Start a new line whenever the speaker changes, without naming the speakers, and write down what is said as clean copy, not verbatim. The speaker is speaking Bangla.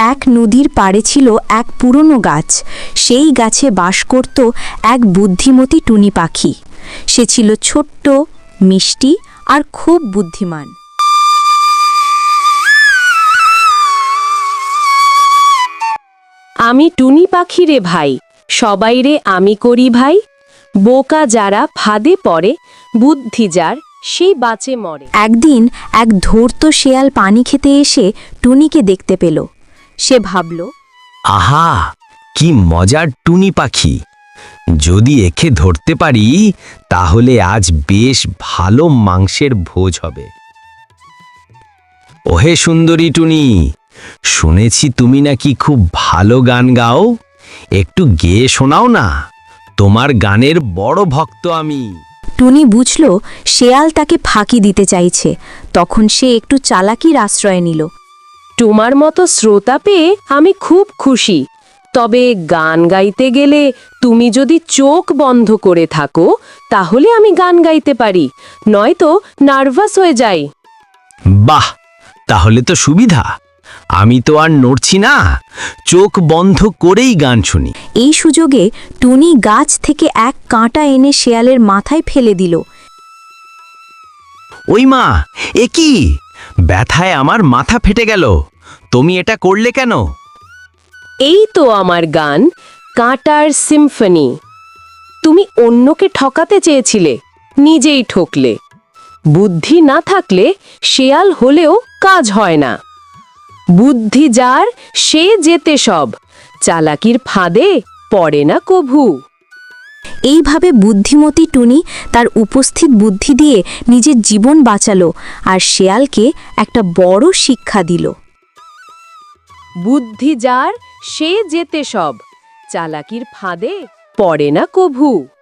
এক নদীর পাড়ে ছিল এক পুরনো গাছ। সেই গাছে বাস করত এক বুদ্ধিমতী টুনি পাখি। সে ছিল ছোট্ট, মিষ্টি আর খুব বুদ্ধিমান।
আমি টুনি পাখি রে ভাই, সবাই রে আমি করি ভাই। বোকা যারা ফাঁদে পড়ে, বুদ্ধি যার সেই বাঁচে মরে।
একদিন এক ধূর্ত শেয়াল পানি খেতে এসে টুনিকে দেখতে পেল। সে ভাবল,
আহা, কি মজার টুনি পাখি! যদি একে ধরতে পারি তাহলে আজ বেশ ভালো মাংসের ভোজ হবে। ওহে সুন্দরী টুনি, শুনেছি তুমি নাকি খুব ভালো গান গাও। একটু গেয়ে শোনাও না, তোমার গানের বড় ভক্ত আমি।
টুনি বুঝল শেয়াল তাকে ফাঁকি দিতে চাইছে। তখন সে একটু চালাকির আশ্রয় নিল।
তোমার মতো শ্রোতা পেয়ে আমি খুব খুশি, তবে গান গাইতে গেলে তুমি যদি চোখ বন্ধ করে থাকো তাহলে আমি গান গাইতে পারি, নয়তো নার্ভাস হয়ে যাই।
বাহ, তাহলে তো সুবিধা। আমি তো আর নড়ছি না, চোখ বন্ধ করেই গান শুনি।
এই সুযোগে টুনি গাছ থেকে এক কাঁটা এনে শেয়ালের মাথায় ফেলে দিল।
ওই মা, এ কি! ব্যথায় আমার মাথা ফেটে গেল। তুমি এটা করলে কেন?
এই তো আমার গান, কাঁটার সিম্ফনি। তুমি অন্যকে ঠকাতে চেয়েছিলে, নিজেই ঠকলে। বুদ্ধি না থাকলে শেয়াল হলেও কাজ হয় না। বুদ্ধি যার সে যেতে সব, চালাকির ফাঁদে পড়ে না কভু।
এইভাবে বুদ্ধিমতী টুনি তার উপস্থিত বুদ্ধি দিয়ে নিজের জীবন বাঁচালো আর শেয়ালকে একটা বড় শিক্ষা দিল।
বুদ্ধি যার সে যেতে সব, চালাকির ফাঁদে পড়ে না কভু।